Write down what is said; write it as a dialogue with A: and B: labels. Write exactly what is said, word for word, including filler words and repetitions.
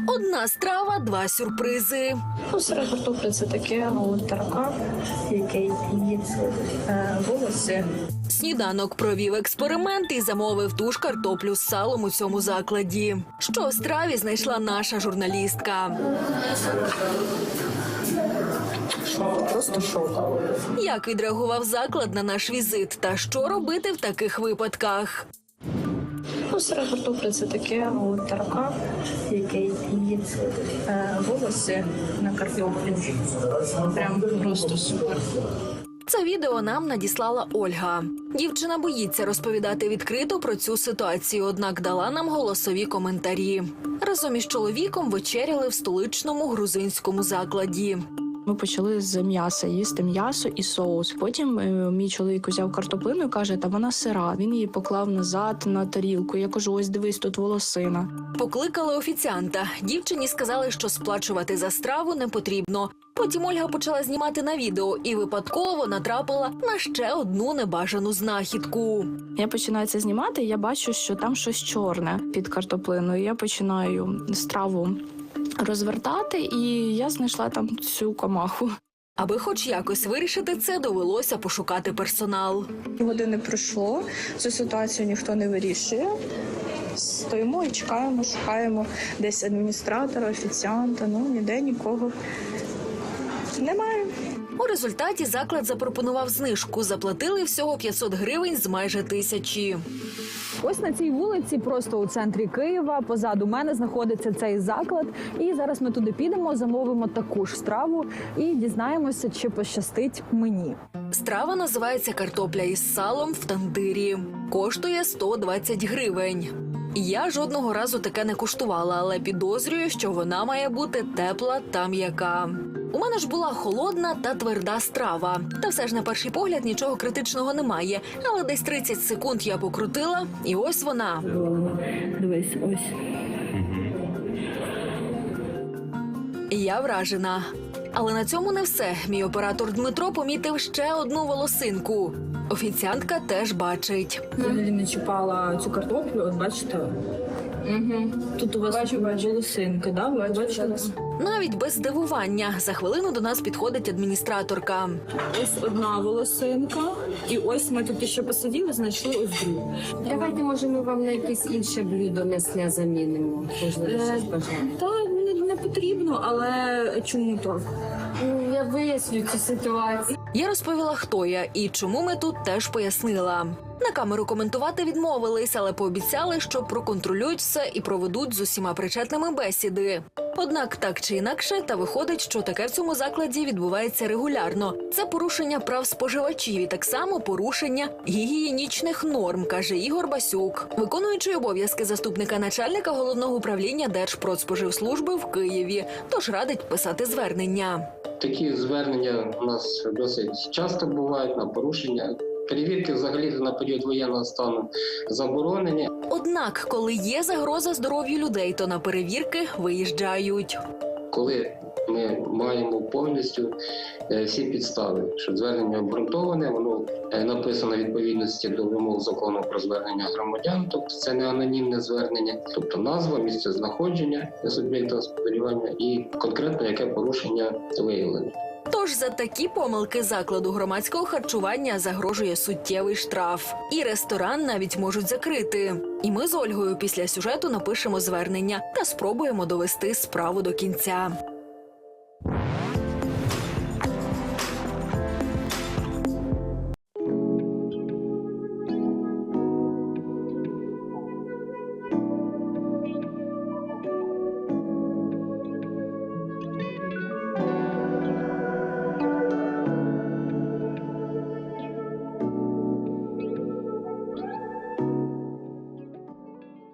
A: Одна страва, два сюрпризи.
B: Ну, сира картопля – це таке, а от таракан, який їсть е, волоси.
A: Сніданок провів експеримент і замовив ту ж картоплю з салом у цьому закладі. Що у страві знайшла наша журналістка.
B: Просто шок.
A: Як відреагував заклад на наш візит та що робити в таких випадках?
B: Ну, сира картопля – це таке, а от таракан, який їсть е, волоси на картоплі. Прям просто супер.
A: Це відео нам надіслала Ольга. Дівчина боїться розповідати відкрито про цю ситуацію, однак дала нам голосові коментарі. Разом із чоловіком вечеряли в столичному грузинському закладі.
C: Ми почали з м'яса їсти м'ясо і соус. Потім е, мій чоловік взяв картоплину і каже, та вона сира. Він її поклав назад на тарілку. Я кажу, ось дивись, тут волосина.
A: Покликали офіціанта. Дівчині сказали, що сплачувати за страву не потрібно. Потім Ольга почала знімати на відео і випадково натрапила на ще одну небажану знахідку.
C: Я починаю це знімати, і я бачу, що там щось чорне під картоплиною. Я починаю страву розвертати, і я знайшла там цю комаху.
A: Аби хоч якось вирішити це, довелося пошукати персонал.
B: Години пройшло, цю ситуацію ніхто не вирішує. Стоїмо і чекаємо, шукаємо десь адміністратора, офіціанта, ну ніде нікого немає.
A: У результаті заклад запропонував знижку. Заплатили всього п'ятсот гривень з майже тисячі.
D: Ось на цій вулиці, просто у центрі Києва, позаду мене знаходиться цей заклад. І зараз ми туди підемо, замовимо таку ж страву і дізнаємося, чи пощастить мені.
A: Страва називається «Картопля із салом в тандирі». Коштує сто двадцять гривень. Я жодного разу таке не куштувала, але підозрюю, що вона має бути тепла та м'яка. У мене ж була холодна та тверда страва. Та все ж на перший погляд нічого критичного немає. Але десь тридцять секунд я покрутила, і ось вона.
B: Дивись, ось.
A: Я вражена. Але на цьому не все. Мій оператор Дмитро помітив ще одну волосинку. Офіціантка теж бачить.
B: Взагалі не чіпала цю картоплю, от бачите. Угу. Тут у вас бачу, бачу. волосинка, да? Ви бачите?
A: Навіть без здивування. За хвилину до нас підходить адміністраторка.
B: Ось одна волосинка, і ось ми тут ще посиділи, знайшли ось другу.
E: Давайте, може, ми вам на якесь інше блюдо м'ясне замінимо. Можливо, щось бажаємо.
B: Та не, не потрібно, але чому так?
E: Ну, я виясню цю ситуацію.
A: Я розповіла, хто я і чому ми тут, теж пояснила. На камеру коментувати відмовились, але пообіцяли, що проконтролюють все і проведуть з усіма причетними бесіди. Однак так чи інакше, та виходить, що таке в цьому закладі відбувається регулярно. Це порушення прав споживачів і так само порушення гігієнічних норм, каже Ігор Басюк, виконуючий обов'язки заступника начальника Головного управління Держпродспоживслужби в Києві, тож радить писати звернення.
F: Такі звернення у нас досить часто бувають на порушення. Перевірки взагалі на період воєнного стану заборонені.
A: Однак, коли є загроза здоров'ю людей, то на перевірки виїжджають.
F: Коли ми маємо повністю всі підстави, що звернення обґрунтоване, воно написано в відповідності до вимог закону про звернення громадян, тобто це не анонімне звернення, тобто назва, місце знаходження суб'єкта господарювання і конкретно яке порушення виявлено.
A: Тож за такі помилки закладу громадського харчування загрожує суттєвий штраф. І ресторан навіть можуть закрити. І ми з Ольгою після сюжету напишемо звернення та спробуємо довести справу до кінця.